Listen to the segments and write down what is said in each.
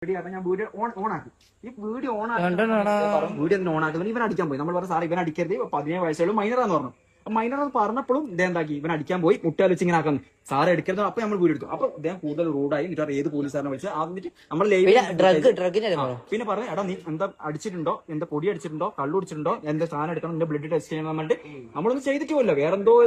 ഞാൻ video on ആക്കി. ഈ വീഡിയോ ഓൺ ആക്കുന്നത് ഇവൻ അടിക്കാൻ പോയി. നമ്മൾ പറഞ്ഞു സാർ ഇവൻ അടിക്കരുത്, 17 വയസ്സുള്ള മൈനറാന്ന് പറഞ്ഞു. മൈനർ എന്ന് പറഞ്ഞപ്പോഴും ഇതെന്താക്കി, ഇവൻ അടിക്കാൻ പോയി, മുട്ടാൽ വെച്ച് ഇങ്ങനെ ആക്കുന്നു. സാറ് എടുക്കരുത്. അപ്പൊ നമ്മൾ വീഡിയോ എടുത്തു. അപ്പൊ ഇദ്ദേഹം കൂടുതൽ റൂഡായി. എന്നിട്ട് ഏത് പോലീസുകാരനെ വിളിച്ച് എന്നിട്ട് നമ്മൾ പിന്നെ പറഞ്ഞു, എടാ നീ എന്താ അടിച്ചിട്ടുണ്ടോ, എന്താ പൊടി അടിച്ചിട്ടുണ്ടോ, കള്ളു അടിച്ചിട്ടുണ്ടോ, എന്താ സാധനം എടുക്കണം, എന്റെ ബ്ലഡ് ടെസ്റ്റ് ചെയ്യണം പറഞ്ഞിട്ട് നമ്മളൊന്നും ചെയ്തിട്ടില്ല. വേറെ എന്തോ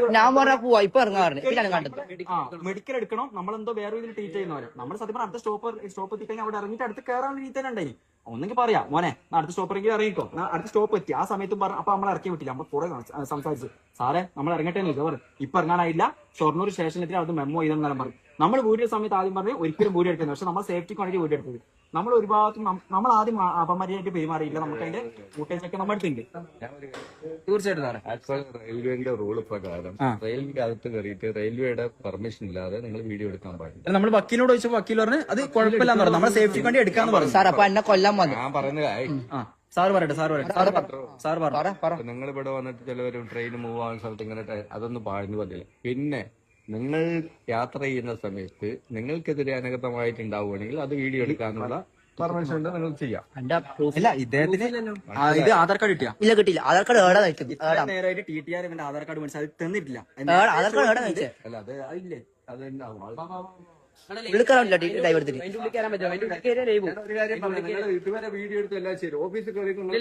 മെഡിക്കൽ എടുക്കണം, നമ്മളെന്തോ വേറെ രീതിയിൽ ട്രീറ്റ് ചെയ്യുന്നവരെ. നമ്മൾ സത്യം പറഞ്ഞാൽ അടുത്ത സ്റ്റോപ്പ് എത്തിക്കഴിഞ്ഞാൽ അവിടെ ഇറങ്ങിയിട്ട് അടുത്ത് കയറാൻ രീതി തന്നെ ഉണ്ടായി. ഒന്നെങ്കിൽ പറയാം മോനെ അടുത്ത സ്റ്റോപ്പറെങ്കിലും ഇറങ്ങിക്കോ, അടുത്ത സ്റ്റോപ്പ് എത്തി. ആ സമയത്തും പറഞ്ഞു. അപ്പൊ നമ്മൾ ഇറക്കി വിട്ടില്ല. നമ്മൾ കുറെ സംസാരിച്ചു. സാറേ നമ്മൾ ഇറങ്ങട്ടെ എന്ന് ചോദിച്ചു. ഇപ്പൊ ഇറങ്ങാനായില്ല, ഷൊർണൂർ സ്റ്റേഷനിൽ അത് മെമ്മോ ചെയ്തെന്നാലും പറഞ്ഞു. നമ്മൾ വീഡിയോ സമയത്ത് ആദ്യം പറഞ്ഞു ഒരിക്കലും വീഡിയോ എടുക്കുന്നത്. പക്ഷെ നമ്മൾ സേഫ്റ്റിക്ക് വേണ്ടി വീഡിയോ എടുത്തത്. നമ്മൾ ഒരു ഭാഗത്തും നമ്മൾ ആദ്യം അപമര്യാദയായിട്ട് പെരുമാറിയില്ല. നമുക്ക് അതിന്റെ ഫുട്ടേജൊക്കെ നമ്മൾ എടുത്തിട്ടുണ്ട്. തീർച്ചയായിട്ടും സാറേ, റെയിൽവേന്റെ റൂള് പ്രകാരം റെയിൽവേ അകത്ത് കയറിയിട്ട് റെയിൽവേയുടെ പെർമിഷൻ ഇല്ലാതെ നിങ്ങൾ വീഡിയോ എടുക്കാൻ പാടില്ല. നമ്മൾ വക്കീലിനോട് ചോദിച്ചപ്പോൾ വക്കീൽ പറഞ്ഞു അത് കുഴപ്പമില്ലാന്ന് പറഞ്ഞു. നമ്മൾ സേഫ്റ്റിക്ക് വേണ്ടി എടുക്കാന്ന് പറഞ്ഞു. സാർ അപ്പൊ എന്നെ കൊല്ലാൻ വന്നു. ഞാൻ പറയുന്നത് സാർ പറയട്ടെ. സാർ നിങ്ങൾ ഇവിടെ വന്നിട്ട് ചിലവരും ട്രെയിൻ മൂവ് ആവുന്ന സ്ഥലത്ത് ഇങ്ങനെ അതൊന്നും പാടുന്നു പറ്റില്ല. പിന്നെ നിങ്ങൾ യാത്ര ചെയ്യുന്ന സമയത്ത് നിങ്ങൾക്കെതിരെ അനഗതമായിട്ടുണ്ടാവുകയാണെങ്കിൽ അത് വീഡിയോ എടുക്കാനുള്ള പെർമിഷൻ ഉണ്ട്, നിങ്ങൾ ചെയ്യാം. ഇല്ല ഇദ്ദേഹത്തിന് ഇത് ആധാർ കാർഡ് കിട്ടിയ ഇല്ല കിട്ടിയില്ല. ആധാർ കാർഡ് ഏടാ നേരമായിട്ട് TTR ഇവന്റെ ആധാർ കാർഡ് മേടിച്ച് അത് തന്നിട്ടില്ല. ആധാർ കാർഡ് ഏടാ കഴിച്ചേ അല്ല അത് ഇല്ലേ അത് വിളിക്കാറില്ല ഡ്രൈവ് എടുത്തിട്ട്. വീഡിയോ എടുത്ത് എല്ലാം ശരി ഓഫീസിൽ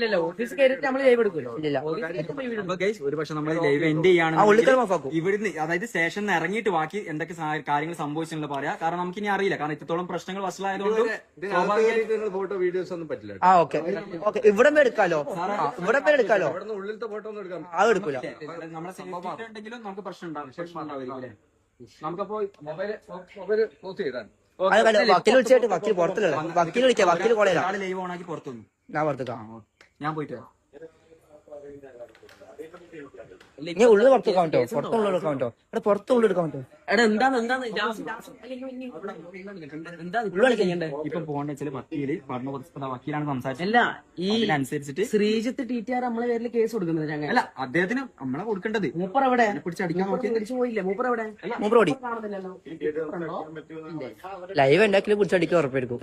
ഒരു പക്ഷെ നമ്മൾ ലൈവ് എൻഡ് ചെയ്യാണ് ഇവിടുന്ന്, അതായത് സ്റ്റേഷനിൽ ഇറങ്ങിയിട്ട് ബാക്കി എന്തൊക്കെ കാര്യങ്ങൾ സംഭവിച്ചിട്ടുണ്ടെന്ന് പറയാം. കാരണം നമുക്ക് ഇനി അറിയില്ല. കാരണം ഇത്രത്തോളം പ്രശ്നങ്ങൾ വഷളായതുകൊണ്ട് ഫോട്ടോ വീഡിയോസ് ഒന്നും പറ്റില്ല. ഇവിടെ എടുക്കാലോ, ഇവിടെ എടുക്കാലോ. ഉള്ളിലത്തെ ഫോട്ടോ ഒന്നും എടുക്കാം. അത് എടുക്കൂല. നമ്മളെ സേഫ്റ്റി ഉണ്ടെങ്കിലും നമുക്ക് പ്രശ്നം ഉണ്ടാവും. നമുക്കപ്പോ മൊബൈൽ ക്ലോസ് ചെയ്താൽ വക്കീൽ വിളിച്ചിട്ട് വക്കീൽ പുറത്തില്ല. വക്കീൽ വിളിക്കാം. വക്കീൽ കോളേജ് ലൈവ് ഓൺ ആക്കി പുറത്തു വന്നു. ഞാൻ പുറത്തേക്കാ. ഞാൻ പോയിട്ട് ഞാൻ ഉള്ളിൽ പുറത്തെടുക്കാൻ പറ്റോ? പുറത്തുള്ളിൽ എടുക്കാൻ പറ്റോ? ഇവിടെ പുറത്തുള്ളിൽ എടുക്കാൻ പറ്റോ? ഇപ്പൊ പോകേണ്ട വെച്ചാൽ വക്കീലാണ് സംസാരിച്ചത്. അനുസരിച്ചിട്ട് ശ്രീജിത്ത് TTR നമ്മളെ പേരിൽ കേസ് കൊടുക്കുന്നത്. അല്ല അദ്ദേഹത്തിന് നമ്മളെ കൊടുക്കേണ്ടത്. മൂപ്പർ എവിടെ പിടിച്ചടിക്കാൻ നോക്കി പോയില്ലേ? മൂപ്പർ എവിടെ? മൂപ്പർ ഓടി. ലൈവ് ഉണ്ടാക്കി പിടിച്ചടിക്കാൻ ഉറപ്പായിരിക്കും.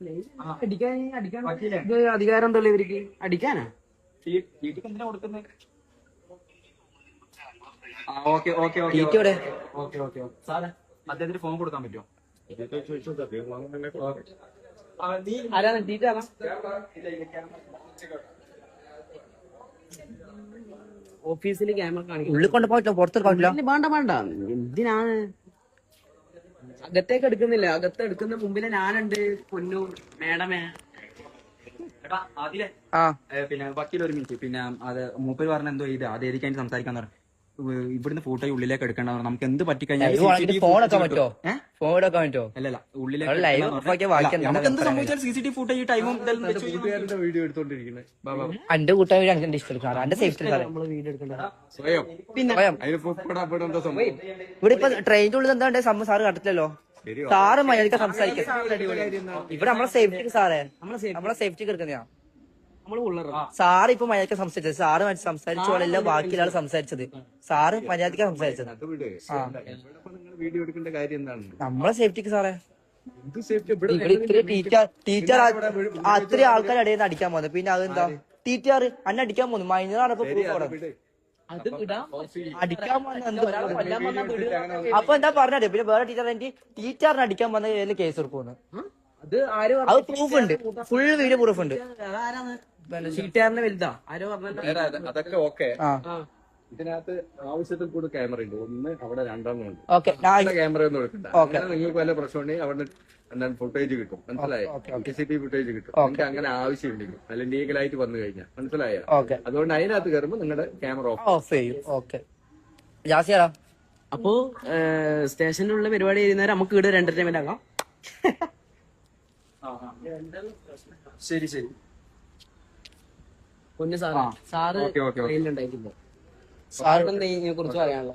അധികാരം എന്തല്ലോ ഇവർക്ക് അടിക്കാനാ? എന്തിനാ കൊടുക്കുന്നത്? സാറേ അദ്ദേഹത്തിന് ഫോൺ കൊടുക്കാൻ പറ്റുമോ? ഓഫീസിൽ ക്യാമറ കാണിക്കും. ഉള്ളിൽ കൊണ്ട് പോയിട്ടോ, പുറത്തെടുക്കാൻ പറ്റില്ല. വേണ്ട എന്തിനാണ് അകത്തേക്ക് എടുക്കുന്നില്ല? അകത്ത് എടുക്കുന്ന മുമ്പില് ഞാനുണ്ട്. പൊന്നു മേഡമേ. പിന്നെ വക്കീൽ ഒരു മിനിറ്റ്. പിന്നെ അത് മൂപ്പര് പറഞ്ഞ എന്തോ ഇത് അത് ഏതിക്കാൻ സംസാരിക്കാൻ പറഞ്ഞു. ഇവിടുന്ന് ഫോട്ടോ ഉള്ളിലേക്ക് എടുക്കണ്ട. നമുക്ക് എന്ത് പറ്റിക്കഴിഞ്ഞാൽ ഫോണൊക്കെ പറ്റോ? ഫോണൊക്കെ പറ്റോ? അല്ലല്ല ഉള്ളിലേക്ക് നമുക്ക് എന്ത് സംഭവിച്ചാൽ CCTV ഫുട്ടേജ് ടൈമും വീഡിയോ എടുത്തോണ്ടിരിക്കുന്നത്. എന്റെ കൂട്ടായി എന്റെ ഇഷ്ടം. എന്റെ സേഫ്റ്റി ഇവിടെ ഇപ്പൊ ട്രെയിനിന്റെ ഉള്ളിൽ എന്താ സംഭവം സാറ് കണ്ടില്ലല്ലോ. സാറ് മര്യാദക്ക് സംസാരിക്കാം. ഇവിടെ നമ്മളെ സേഫ്റ്റിക്ക് സാറേ, നമ്മളെ സേഫ്റ്റിക്ക് എടുക്കുന്നതാ. സാറ് ഇപ്പൊ മര്യാദക്ക് സംസാരിച്ചത്. സാറ് സംസാരിച്ചോളല്ല ബാക്കിയുള്ള ആൾ സംസാരിച്ചത്. സാറ് മര്യാദക്ക് സംസാരിച്ചത്. വീഡിയോ എടുക്കേണ്ട കാര്യം എന്താണ്? നമ്മളെ സേഫ്റ്റിക്ക് സാറേ. ടീച്ചർ അത്രയും ആൾക്കാർ ഇടയിൽ നിന്ന് അടിക്കാൻ പോകുന്നത്. പിന്നെ അതെന്താ ടീച്ചർ അന്നെ അടിക്കാൻ പോകുന്നു. മൈനറാണ് ഇപ്പൊ അടിക്കാൻ അപ്പൊ എന്താ പറഞ്ഞത്? പിന്നെ വേറെ ടീച്ചറിനെ അടിക്കാൻ വന്ന കേസ് കൊടുക്കുന്നു. അത് പ്രൂഫ് ഉണ്ട്. ഫുൾ വീഡിയോ പ്രൂഫ് ഉണ്ട്. TTRന്റെ വലുതാ ആരോ പറഞ്ഞ അതൊക്കെ ഓക്കെ. ഇതിനകത്ത് ആവശ്യത്തിൽ കൂടെ ക്യാമറ ഉണ്ട്. ഒന്ന് അവിടെ രണ്ടെണ്ണം ഉണ്ട്. ക്യാമറ ഒന്നും എടുക്കണ്ട. അങ്ങനെ നിങ്ങൾക്ക് വല്ല പ്രശ്നമുണ്ടെങ്കിൽ അവിടെ എന്താണ് ഫുട്ടേജ് കിട്ടും. മനസ്സിലായോ? CCTV ഫുട്ടേജ് കിട്ടും. നിങ്ങൾക്ക് അങ്ങനെ ആവശ്യമുണ്ടെങ്കിൽ നല്ല ലീഗലായിട്ട് വന്നു കഴിഞ്ഞാൽ. മനസ്സിലായോ? അതുകൊണ്ട് അതിനകത്ത് കയറുമ്പോൾ നിങ്ങളുടെ ക്യാമറ ഓഫ് ചെയ്യും. അപ്പോ സ്റ്റേഷനിലുള്ള പരിപാടി ചെയ്യുന്നവരെ നമുക്ക് ഇവിടെ ഒരു എന്റർടൈൻമെന്റ് ആകാം. ശരി പൊന്നു സാറ് ട്രെയിനിലുണ്ടായിട്ടില്ല. സാറിന് ഇതിനെ കുറിച്ച് പറയാനുള്ളത്?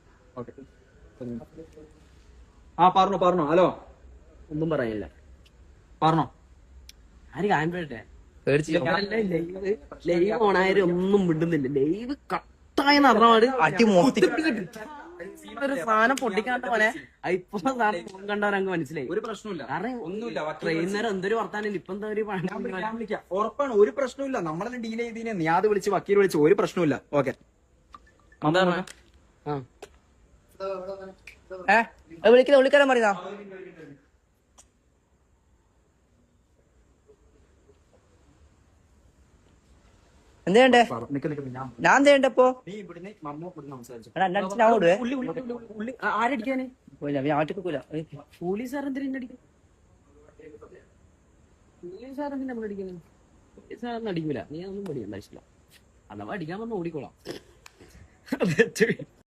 പറഞ്ഞോ. ഹലോ ഒന്നും പറയാനില്ല. പറഞ്ഞോ. ആര് കാണട്ടെ? ലൈവ് ഓണായാലും ഒന്നും വിടുന്നില്ല. ലൈവ് കട്ടായെന്ന് പറഞ്ഞാൽ ഒരു സാധനം പൊട്ടിക്കാണ്ട് പോലെ ഇപ്പൊ സാധനം കണ്ടവരങ്ങ് മനസ്സിലായി. ഒരു പ്രശ്നമില്ല, കാരണം ഒന്നുമില്ല. ട്രെയിനർ എന്തൊരു വർത്താനം ഇപ്പൊ എന്താ ഒരു ഞാൻ വിളിക്കാം, ഉറപ്പാണ്, ഒരു പ്രശ്നമില്ല. നമ്മളെല്ലാം ഡീൽ ചെയ്തതിനെ നീ അത് വിളിച്ച് വക്കീൽ വിളിച്ച് ഒരു പ്രശ്നമില്ല. ഓക്കെ വിളിക്കാൻ പറയുന്ന എന്ത് ചെയ്യണ്ടേ? ഞാൻ എന്ത് ചെയ്യണ്ടേ ഇപ്പൊ? നീ ഇവിടുന്ന് മമ്മ ഇവിടുന്ന് സംസാരിച്ചു. ഞാൻ ഓടുവേ. ആരടിക്കാന് ഞാൻ ഒറ്റക്കൂല. പോലീസുകാർ എന്തിനാ അടിക്കുന്നത്? പോലീസുകാർ എന്തിനാ നമ്മൾ അടിക്കുന്നത്? പോലീസുകാരൊന്നും അടിക്കൂല, നീ ഒന്നും പഠിക്കണ്ട ആവശ്യമില്ല. അഥവാ അടിക്കാൻ വന്ന് ഓടിക്കോളാം.